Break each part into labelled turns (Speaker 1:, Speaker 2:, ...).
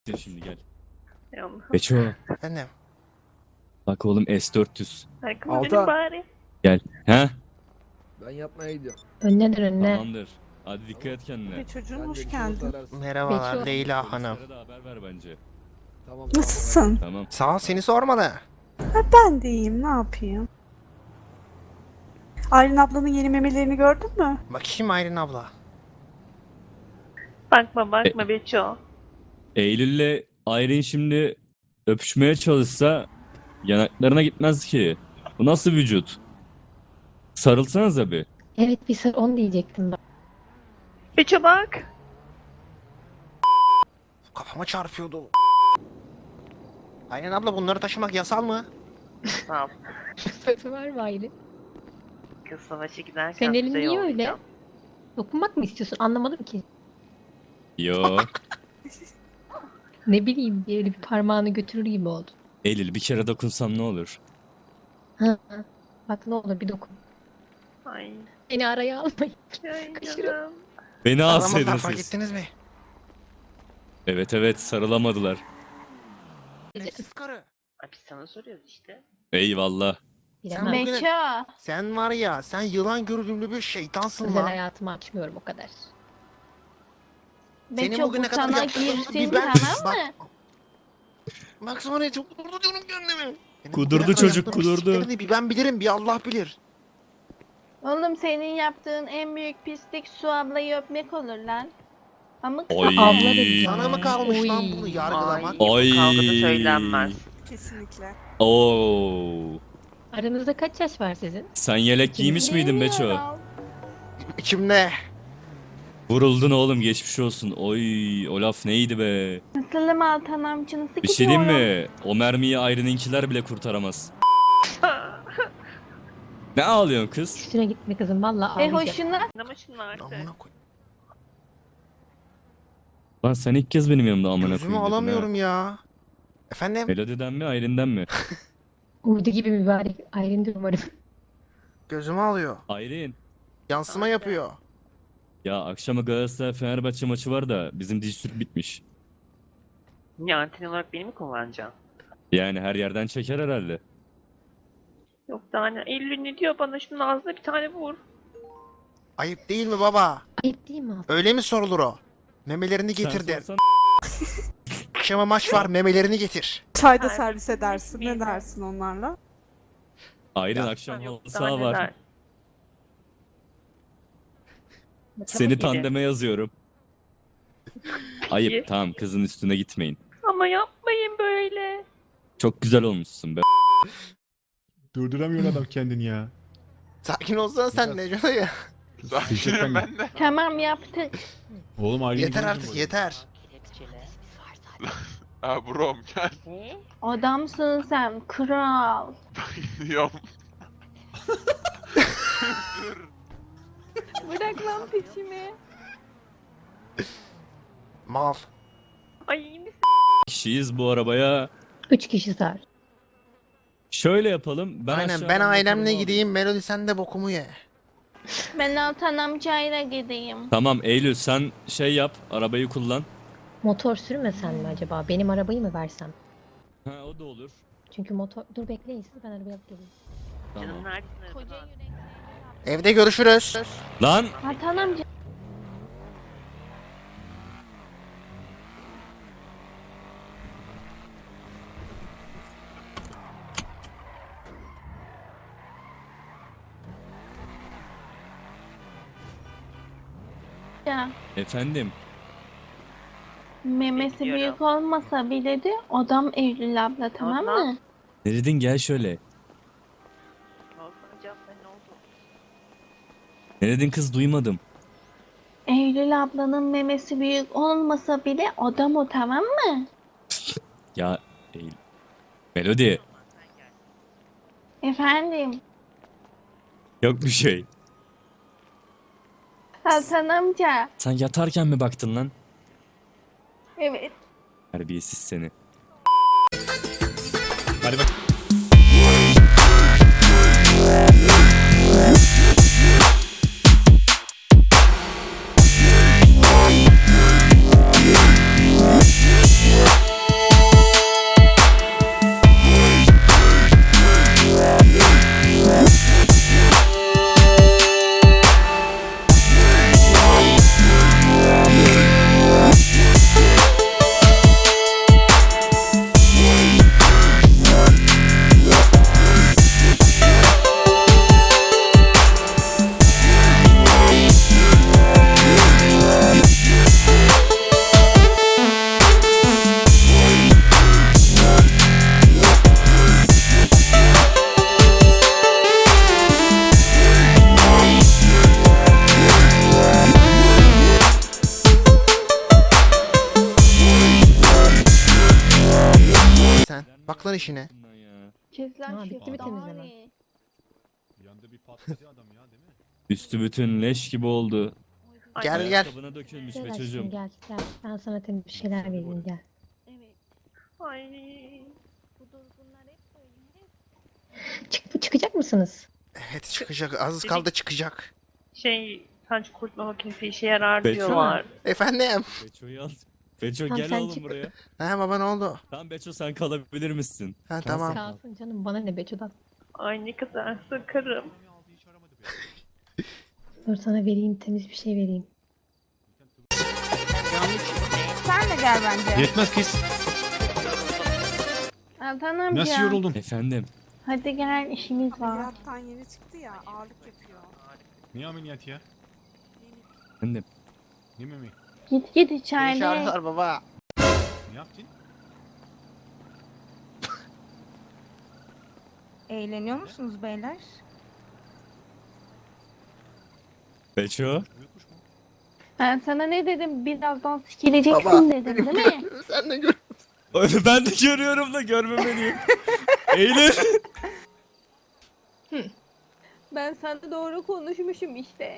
Speaker 1: Şimdi gel.
Speaker 2: Yallah.
Speaker 1: Beço.
Speaker 3: Efendim.
Speaker 1: Bak oğlum S400.
Speaker 2: Arkamı
Speaker 4: Altan.
Speaker 2: dönün bari.
Speaker 1: Gel. He?
Speaker 4: Ben yapmaya gidiyorum.
Speaker 5: Önüne dön önüne.
Speaker 1: Tamamdır. Hadi dikkat et kendine.
Speaker 2: Ve çocuğum
Speaker 4: Sen de
Speaker 2: hoş
Speaker 4: bir
Speaker 2: geldin.
Speaker 4: şey ararsın.
Speaker 3: Merhabalar
Speaker 5: Peki.
Speaker 3: Leyla Hanım.
Speaker 1: Polislere de haber ver bence.
Speaker 4: Tamam.
Speaker 2: Nasılsın?
Speaker 1: Tamam.
Speaker 3: Sağ ol seni sormalı.
Speaker 2: Ben de iyiyim, ne yapayım? Aylin ablanın yeni memelerini gördün mü?
Speaker 3: Bakayım Aylin abla.
Speaker 2: Bakma bakma Beço.
Speaker 1: Eylül'le Aylin şimdi öpüşmeye çalışsa yanaklarına gitmez ki. Bu nasıl vücut? Sarılsanıza bir.
Speaker 5: Evet bir sır onu diyecektim ben.
Speaker 2: Beço bak.
Speaker 3: Kafama çarpıyordu. Aylin abla bunları taşımak yasal mı?
Speaker 2: Tamam.
Speaker 5: Sözü var mı ayrı?
Speaker 2: Kız savaşı giderken
Speaker 5: Senin elin
Speaker 2: size
Speaker 5: niye öyle?
Speaker 2: yollayacağım.
Speaker 5: Dokunmak mı istiyorsun? Anlamadım ki.
Speaker 1: Yo.
Speaker 5: Ne bileyim bir öyle bir parmağını götürür gibi oldu.
Speaker 1: Eylül bir kere dokunsam ne olur?
Speaker 5: Ha. Bak ne olur bir dokun.
Speaker 2: Ay.
Speaker 5: Beni araya almayın.
Speaker 2: Ay
Speaker 5: Sıkışırım.
Speaker 2: canım.
Speaker 1: Beni
Speaker 3: Sarılamadılar
Speaker 1: alsaydın
Speaker 3: fark
Speaker 1: siz.
Speaker 3: ettiniz mi?
Speaker 1: Evet sarılamadılar.
Speaker 3: Nefsiz karı.
Speaker 2: Ay biz sana soruyoruz işte.
Speaker 1: Eyvallah.
Speaker 5: Bilemem.
Speaker 3: bugün-
Speaker 6: Beço.
Speaker 3: Sen var ya sen yılan görünümlü bir şeytansın
Speaker 5: Özel
Speaker 3: lan.
Speaker 5: hayatımı açmıyorum o kadar.
Speaker 3: Senin
Speaker 6: Beço bu
Speaker 3: bugüne kadar
Speaker 6: sana
Speaker 3: yaptıklarını
Speaker 6: girsin
Speaker 3: bir ben...
Speaker 6: tamam mı?
Speaker 3: Bak sonra çok kudurdu diyorum kendimi. Senin
Speaker 1: Kudurdu
Speaker 3: bugüne kadar
Speaker 1: çocuk,
Speaker 3: yaptığın
Speaker 1: kudurdu.
Speaker 3: pisliklerini bir ben bilirim bir Allah bilir.
Speaker 6: Oğlum senin yaptığın en büyük pislik Su ablayı öpmek olur lan. Pamuk
Speaker 1: Oy.
Speaker 5: Abla dedi ya.
Speaker 3: Sana mı kalmış lan
Speaker 5: Oy.
Speaker 3: bunu yargılamak?
Speaker 2: Ay, bu
Speaker 1: Ay.
Speaker 2: kavgada söylenmez. Kesinlikle.
Speaker 1: Oo.
Speaker 5: Aranızda kaç yaş var sizin?
Speaker 1: Sen yelek giymiş miydin Beço?
Speaker 6: Bilmiyorum.
Speaker 3: İçimde.
Speaker 1: Vuruldun oğlum geçmiş olsun. Oy o laf neydi be?
Speaker 6: Nasılım Altan amca nasıl
Speaker 1: Bir şey diyeyim
Speaker 6: gidiyorum?
Speaker 1: mi? O mermiyi Ayrı'nınkiler bile kurtaramaz. Ne ağlıyorsun kız?
Speaker 5: Üstüne gitme kızım valla
Speaker 6: Ve
Speaker 5: ağlayacağım.
Speaker 6: hoşuna
Speaker 2: Ama şunu artık.
Speaker 3: Amına koy.
Speaker 1: Lan sen ilk kez benim yanımda amına
Speaker 3: Gözümü
Speaker 1: koyayım dedin ha.
Speaker 3: alamıyorum ya. Efendim?
Speaker 1: Melodiden mi Ayrı'nden mi?
Speaker 5: Uydu gibi mübarek ayrındır umarım.
Speaker 3: Gözümü alıyor.
Speaker 1: Ayrın.
Speaker 3: Yansıma yapıyor.
Speaker 1: Ya akşama Galatasaray Fenerbahçe maçı var da bizim diş süt bitmiş.
Speaker 2: Ya anten olarak beni mi kullanacaksın?
Speaker 1: Yani her yerden çeker herhalde.
Speaker 2: Yok daha ne? Eylül ne diyor bana şunun ağzına bir tane vur.
Speaker 3: Ayıp değil mi baba?
Speaker 5: Ayıp değil mi Altan?
Speaker 3: Öyle mi sorulur o? Memelerini getir
Speaker 1: Sen
Speaker 3: der.
Speaker 1: sorsan-
Speaker 3: Akşama maç var memelerini getir.
Speaker 7: Çayda
Speaker 2: Ay,
Speaker 7: servis edersin. Ne
Speaker 2: bilmiyorum.
Speaker 7: dersin onlarla?
Speaker 1: Ayrın
Speaker 3: Ya.
Speaker 1: akşam
Speaker 2: Yok,
Speaker 1: halı
Speaker 2: daha
Speaker 1: saha var.
Speaker 2: neler.
Speaker 1: Seni
Speaker 2: Yedi.
Speaker 1: tandeme yazıyorum. Ayıp
Speaker 2: İyi.
Speaker 1: tamam kızın üstüne gitmeyin.
Speaker 2: Ama yapmayın böyle.
Speaker 1: Çok güzel olmuşsun be.
Speaker 8: Durduramıyor adam kendini ya.
Speaker 3: Sakin olsana sen Neco ya.
Speaker 8: Sakinim ben de.
Speaker 6: tamam yaptık.
Speaker 8: Oğlum ayrı
Speaker 3: Yeter artık yeter.
Speaker 9: Ha brom gel
Speaker 6: Adamsın sen kral.
Speaker 9: gidiyorum. Dur.
Speaker 6: Bırak lan peşimi.
Speaker 3: Mal.
Speaker 2: Ay iyi misin?
Speaker 1: Kişiyiz bu arabaya.
Speaker 5: 3 kişi sar.
Speaker 1: Şöyle yapalım. Ben
Speaker 3: Aynen
Speaker 1: aşağıdan
Speaker 3: ben ailemle
Speaker 1: motorumu alayım.
Speaker 3: gideyim Melody sen de bokumu ye.
Speaker 6: Ben Altan amcayla gideyim.
Speaker 1: Tamam Eylül sen şey yap. Arabayı kullan.
Speaker 5: Motor sürmesen mi acaba? Benim arabayı mı versem?
Speaker 1: Ha o da olur.
Speaker 5: Çünkü motor... Dur bekleyin siz ben arabayı alıp geleyim.
Speaker 1: Tamam.
Speaker 2: Canım neredesin?
Speaker 6: Koca
Speaker 2: arada?
Speaker 6: yürekli.
Speaker 3: Evde görüşürüz.
Speaker 1: Lan
Speaker 6: Altan amca. Ya,
Speaker 1: efendim.
Speaker 6: memesi
Speaker 2: Bekliyorum.
Speaker 6: büyük olmasa bile de adam Eylül abla tamam
Speaker 2: Abla.
Speaker 6: mı?
Speaker 1: Neredin gel şöyle.
Speaker 2: Olsun cevap ver, ne oldu?
Speaker 1: Neredin kız duymadım.
Speaker 6: Eylül ablanın memesi büyük olmasa bile adam o tamam mı?
Speaker 1: Ya Eylül. Melody.
Speaker 6: Efendim.
Speaker 1: Yok bir şey.
Speaker 6: Altan amca.
Speaker 1: Sen yatarken mi baktın lan?
Speaker 6: Evet.
Speaker 1: Terbiyesiz seni. Hadi bak.
Speaker 3: bak lan işine.
Speaker 1: Bundan ya.
Speaker 6: Kes lan
Speaker 5: Aa,
Speaker 6: şu
Speaker 5: bitti mi temizleme?
Speaker 6: fare.
Speaker 8: Yanda bir patladı adam ya değil mi?
Speaker 1: Üstü bütün leş gibi oldu.
Speaker 3: Gel gel.
Speaker 1: Ayakkabına dökülmüş
Speaker 5: Gel
Speaker 1: be
Speaker 5: aşkım
Speaker 1: çocuğum.
Speaker 5: gel gel. Ben sana temiz bir şeyler vereyim gel.
Speaker 6: Evet.
Speaker 2: Ay.
Speaker 6: Bu durgunlar hep böyle.
Speaker 5: Çıkacak mısınız?
Speaker 3: Evet çıkacak. Az kaldı çıkacak.
Speaker 2: Saç kurutma makinesi işe yarar
Speaker 1: Beço.
Speaker 2: diyorlar.
Speaker 3: Efendim.
Speaker 1: Beço'yu al. Beço
Speaker 5: Tamam,
Speaker 1: gel
Speaker 5: sen
Speaker 1: oğlum
Speaker 5: çık.
Speaker 1: buraya.
Speaker 3: Ha baba ne oldu?
Speaker 1: Tamam Beço sen kalabilir misin?
Speaker 3: Ha tamam.
Speaker 5: Kalsın canım bana ne Beço'dan.
Speaker 2: Ay ne kadar sıkarım.
Speaker 5: Dur sana vereyim temiz bir şey vereyim.
Speaker 7: Sen de gel bence.
Speaker 8: Yetmez kız.
Speaker 6: Altan amca.
Speaker 8: Nasıl yoruldun?
Speaker 1: Efendim.
Speaker 6: Hadi gel işimiz var.
Speaker 7: Ameliyattan yeni çıktı ya ağırlık yapıyor.
Speaker 8: Niye ameliyat ya?
Speaker 1: Efendim.
Speaker 8: Ne mi?
Speaker 6: Git içeride.
Speaker 3: Çağırıyorlar baba.
Speaker 8: Ne yaptın?
Speaker 7: Eğleniyor musunuz beyler?
Speaker 1: Beço.
Speaker 8: Uyutmuş mu?
Speaker 6: Ben sana ne dedim? Birazdan sikileceksin
Speaker 3: Baba.
Speaker 6: dedim
Speaker 3: Benim
Speaker 6: değil mi?
Speaker 3: sen de gör.
Speaker 1: Ben de görüyorum da görmemeliyim. Eylül.
Speaker 6: Ben sana doğru konuşmuşum işte.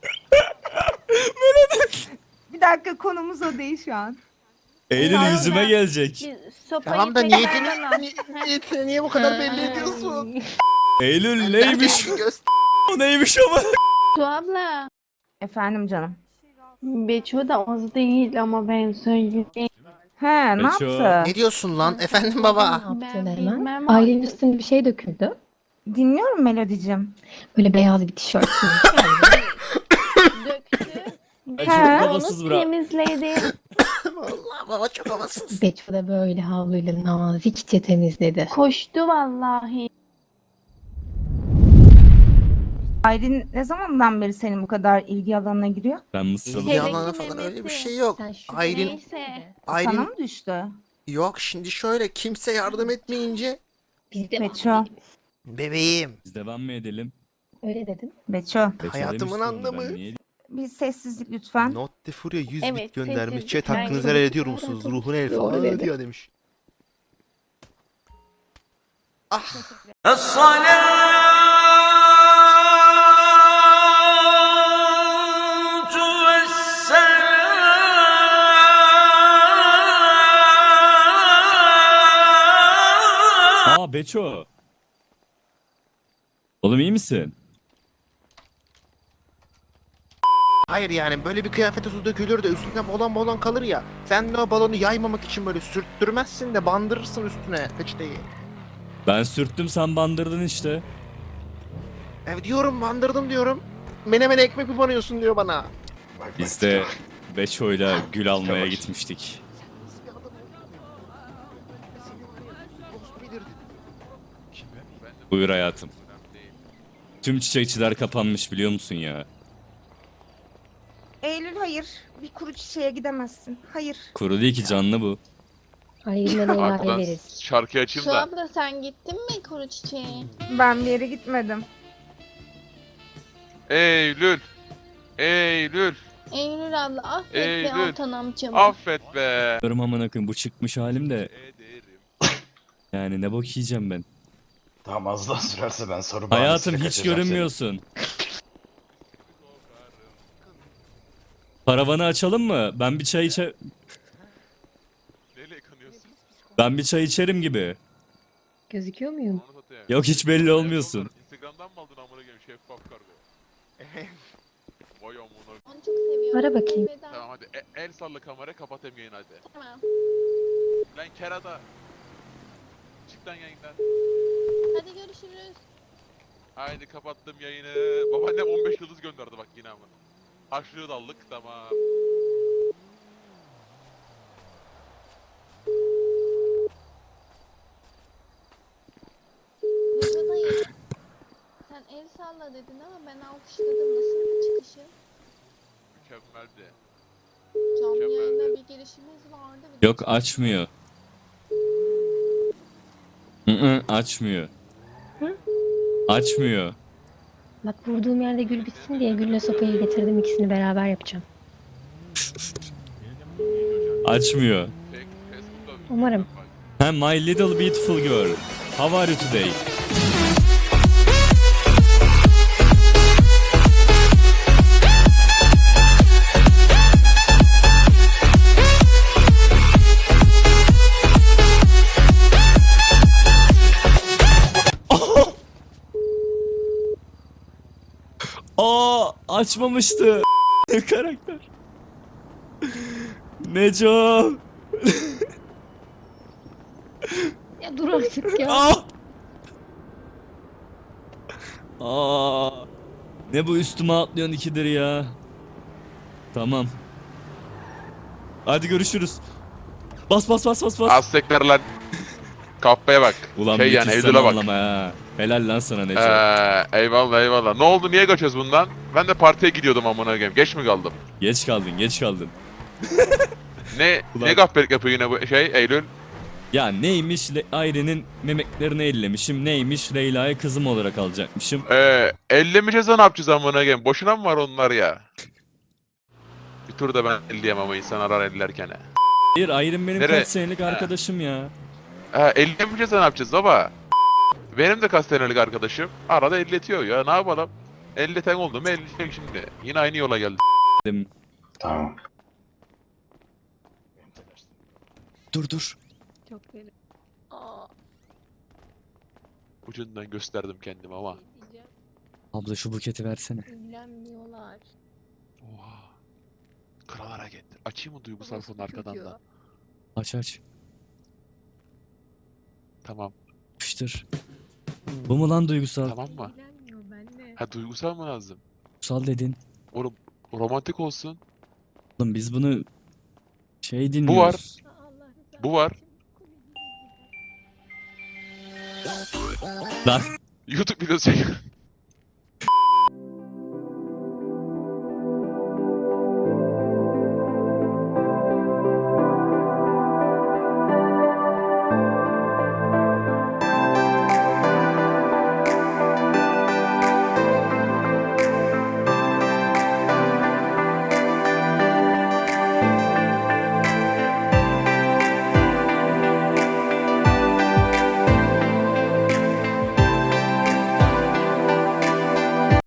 Speaker 7: Bir dakika konumuz o değil şu an.
Speaker 1: Eylül
Speaker 6: Tamam
Speaker 1: yüzüme
Speaker 6: da-
Speaker 1: gelecek.
Speaker 6: Bir sopayı
Speaker 3: Tamam da
Speaker 6: tekrardan al.
Speaker 3: niyetini niye bu kadar belli ediyorsun?
Speaker 1: Eylül neymiş?
Speaker 3: Göster.
Speaker 1: O neymiş ama?
Speaker 6: Su abla.
Speaker 7: Efendim canım.
Speaker 6: Beço da az değil ama ben söyleyeyim.
Speaker 7: He ne
Speaker 1: Beço.
Speaker 7: yaptı?
Speaker 3: Ne diyorsun lan efendim
Speaker 5: Ne
Speaker 3: baba?
Speaker 5: yaptın
Speaker 6: Ben bilmem
Speaker 5: hemen?
Speaker 6: artık.
Speaker 5: Ailenin üstünde bir şey döküldü.
Speaker 7: Dinliyorum Melodicim.
Speaker 5: Böyle beyaz bir tişört giymiş.
Speaker 6: Döktü.
Speaker 1: Ay,
Speaker 7: He.
Speaker 1: çok
Speaker 6: Onu
Speaker 1: havasız bırak.
Speaker 6: temizledi.
Speaker 3: Vallahi baba çok havasız.
Speaker 5: Beço da böyle havluyla nazikçe temizledi.
Speaker 6: Koştu vallahi.
Speaker 7: Aylin ne zamandan beri senin bu kadar ilgi alanına giriyor?
Speaker 1: Ben Mısırlı.
Speaker 3: İlgi
Speaker 6: Hele
Speaker 3: alanı
Speaker 6: ki
Speaker 3: falan öyle bir
Speaker 6: Mehmet'i.
Speaker 3: şey yok.
Speaker 5: Sen şu
Speaker 3: Aylin,
Speaker 6: Neyse.
Speaker 7: Sana
Speaker 3: Aylin
Speaker 7: mı düştü?
Speaker 3: yok şimdi şöyle kimse yardım etmeyince
Speaker 5: Biz de
Speaker 7: Beço.
Speaker 3: bebeğim.
Speaker 1: Biz devam mı edelim?
Speaker 5: öyle dedin.
Speaker 7: Beço.
Speaker 1: Beço
Speaker 3: Hayatımın
Speaker 1: demişti onu,
Speaker 3: anlamı.
Speaker 1: ben niye-
Speaker 7: Bir sessizlik lütfen.
Speaker 3: Not de Furia 100
Speaker 6: Evet,
Speaker 3: bit göndermiş.
Speaker 6: sessizlik.
Speaker 3: Chat hakkınızı helal ediyor musunuz? Ruhunu el
Speaker 5: Doğru
Speaker 3: falan
Speaker 5: dedi.
Speaker 3: diyor demiş. Ah.
Speaker 1: Aa Beço. Oğlum iyi misin?
Speaker 3: Hayır yani böyle bir kıyafete su dökülür de üstüne balon kalır ya. Sen de o balonu yaymamak için böyle sürttürmezsin de bandırırsın üstüne peçeteyi.
Speaker 1: Ben sürttüm sen bandırdın işte.
Speaker 3: Evet diyorum bandırdım diyorum. Menemene ekmek mi banıyorsun diyor bana.
Speaker 1: Biz de Beço'yla gül almaya gitmiştik.
Speaker 3: Nasıl bir adam oldun? Seni var ya, dost bilirdi.
Speaker 1: Buyur hayatım. Tüm çiçekçiler kapanmış biliyor musun ya?
Speaker 7: Eylül hayır. Bir kuru çiçeğe gidemezsin. Hayır.
Speaker 1: Kuru değil ki canlı bu.
Speaker 5: Ailenin
Speaker 9: Arkadan
Speaker 5: veririz.
Speaker 9: şarkıyı açayım
Speaker 6: Su
Speaker 9: da.
Speaker 6: abla sen gittin mi kuru çiçeğe?
Speaker 7: Ben bir yere gitmedim.
Speaker 9: Eylül. Eylül.
Speaker 6: Eylül abla affet be
Speaker 9: Eylül.
Speaker 6: Altan amcamı.
Speaker 9: Affet be.
Speaker 1: Diyorum amına koyayım bu çıkmış halim de
Speaker 9: Ederim.
Speaker 1: yani ne bok yiyeceğim ben.
Speaker 10: Tamam az daha sürerse ben soru
Speaker 1: Hayatım
Speaker 10: bahanesiyle
Speaker 1: hiç
Speaker 10: kaçacağım
Speaker 1: görünmüyorsun. Paravanı açalım mı? Ben bir çay içe...
Speaker 9: Neyle yıkanıyorsun?
Speaker 1: Ben bir çay içerim gibi.
Speaker 5: Gözüküyor muyum?
Speaker 9: Onu satayım.
Speaker 1: Yok hiç belli olmuyorsun.
Speaker 9: Instagram'dan mı aldın amına koyayım şeffaf kargo? Vay amına.
Speaker 6: Onu çok seviyorum.
Speaker 5: Ara bakayım.
Speaker 6: Veda.
Speaker 9: Tamam hadi el salla kamerayı kapatayım yayını hadi.
Speaker 6: Tamam.
Speaker 9: Lan kerada. Çık lan yayından.
Speaker 6: Hadi görüşürüz.
Speaker 9: Haydi kapattım yayını. Babaannem 15 yıldız gönderdi bak yine ama. Harçlığı da aldık tamam.
Speaker 6: Rıza dayı. Sen el salla dedin ama ben alkışladım. Nasıl bir çıkışı?
Speaker 9: Mükemmeldi.
Speaker 6: Canlı
Speaker 9: Mükemmel.
Speaker 6: yayında bir girişimiz vardı. Bir de
Speaker 1: Yok açmıyor. Açmıyor. Açmıyor.
Speaker 5: Bak vurduğum yerde gül bitsin diye gülle sopayı getirdim ikisini beraber yapacağım.
Speaker 1: Açmıyor.
Speaker 9: Facebook'ta
Speaker 5: Umarım.
Speaker 1: My little beautiful girl. How are you today? Açmamıştı. Karakter. Neco.
Speaker 5: Ya dur artık ya.
Speaker 1: Ne bu üstüme atlıyorsun ikidir ya. Tamam. Hadi görüşürüz. Bas.
Speaker 9: Aztekler lan. Kahpeye bak.
Speaker 1: Ulan
Speaker 9: şey
Speaker 1: bir
Speaker 9: yani
Speaker 1: kişisel
Speaker 9: Eylül'e bak.
Speaker 1: anlama ha. Helal lan sana Neco.
Speaker 9: Eyvallah. Ne oldu, niye kaçıyoruz bundan? Ben de partiye gidiyordum amına koyayım. Geç mi kaldım?
Speaker 1: Geç kaldın.
Speaker 9: Ne
Speaker 1: Ulan.
Speaker 9: kahpelik yapıyor yine bu Eylül?
Speaker 1: Ya neymiş Ayrin'in memeklerini ellemişim. Neymiş Leyla'yı kızım olarak alacakmışım.
Speaker 9: Ellemeyeceğiz de ne yapacağız amına koyayım? Boşuna mı var onlar ya? Bir tur da ben elleyemem ama insan arar ellerken.
Speaker 1: Hayır Ayrin benim
Speaker 9: Nereye?
Speaker 1: kaç senelik arkadaşım ya.
Speaker 9: Ellemeyeceğiz de ne yapacağız baba? Benim de kaç senelik arkadaşım. Arada elletiyor ya, ne yapalım? Elleten oldu mu elletecek şimdi. Yine aynı yola geldik.
Speaker 10: Tamam.
Speaker 1: Dur.
Speaker 2: Çok deli. Aa,
Speaker 9: Ucundan gösterdim kendimi ama.
Speaker 2: diyeceğim.
Speaker 1: Abla şu buketi versene.
Speaker 2: Ünlenmiyorlar.
Speaker 9: Oha. Kral hareket. Açayım mı duygusal
Speaker 2: Orospu
Speaker 9: fon arkadan
Speaker 2: çocuğu.
Speaker 9: da?
Speaker 1: Aç.
Speaker 9: Tamam.
Speaker 1: Yapıştır. Bu mu lan duygusal?
Speaker 9: Tamam mı?
Speaker 2: İlgilenmiyor benimle.
Speaker 9: Ha, duygusal mı lazım?
Speaker 1: Duygusal dedin.
Speaker 9: Romantik olsun.
Speaker 1: Oğlum biz bunu şey dinliyoruz.
Speaker 9: Bu var.
Speaker 2: Allah rızası
Speaker 9: Bu var.
Speaker 2: için komedi
Speaker 1: Lan
Speaker 9: YouTube videosu çekiyor.